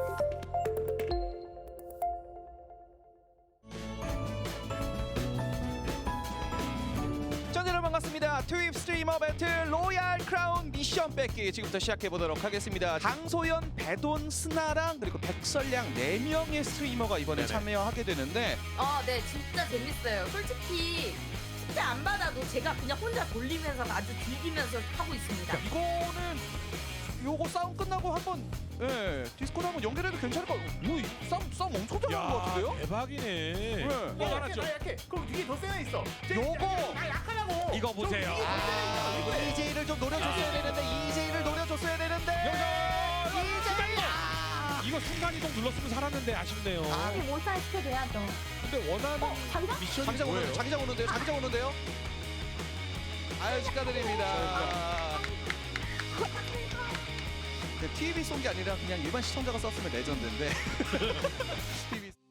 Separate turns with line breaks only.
반갑습니다. 트윕 스트리머 배틀 로얄 크라운 미션 뺏기 지금부터 시작해 보도록 하겠습니다. 강소연, 배돈, 스나랑 그리고 백설량 4명의 스트리머가 이번에 참여하게 되는데
네, 진짜 재밌어요. 솔직히 숙제 안 받아도 제가 그냥 혼자 돌리면서 아주 즐기면서 하고 있습니다.
이거는 요거 싸움 끝나고 한번 디스코드 한번 연결해도 괜찮을 것 같아요. 뭐, 싸움 엄청 잘하는 것 같은데요?
대박이네.
네.
알았죠.
나 약해. 그럼 위에 더 세나 있어.
요거!
나 약하냐고.
이거 보세요.
EJ를 좀 노려줬어야 되는데 EJ를 노려줬어야 되는데 EJ!
이거 순간이동 눌렀으면 살았는데 아쉽네요.
모사 시켜줘야죠.
근데 원하는
장사?
미션이
자기장
뭐예요?
오는데요. 자기장 오는데요. 자기장 오는데요. 아유 축하드립니다. TV 쏜 게 아니라 그냥 일반 시청자가 썼으면 레전드인데. TV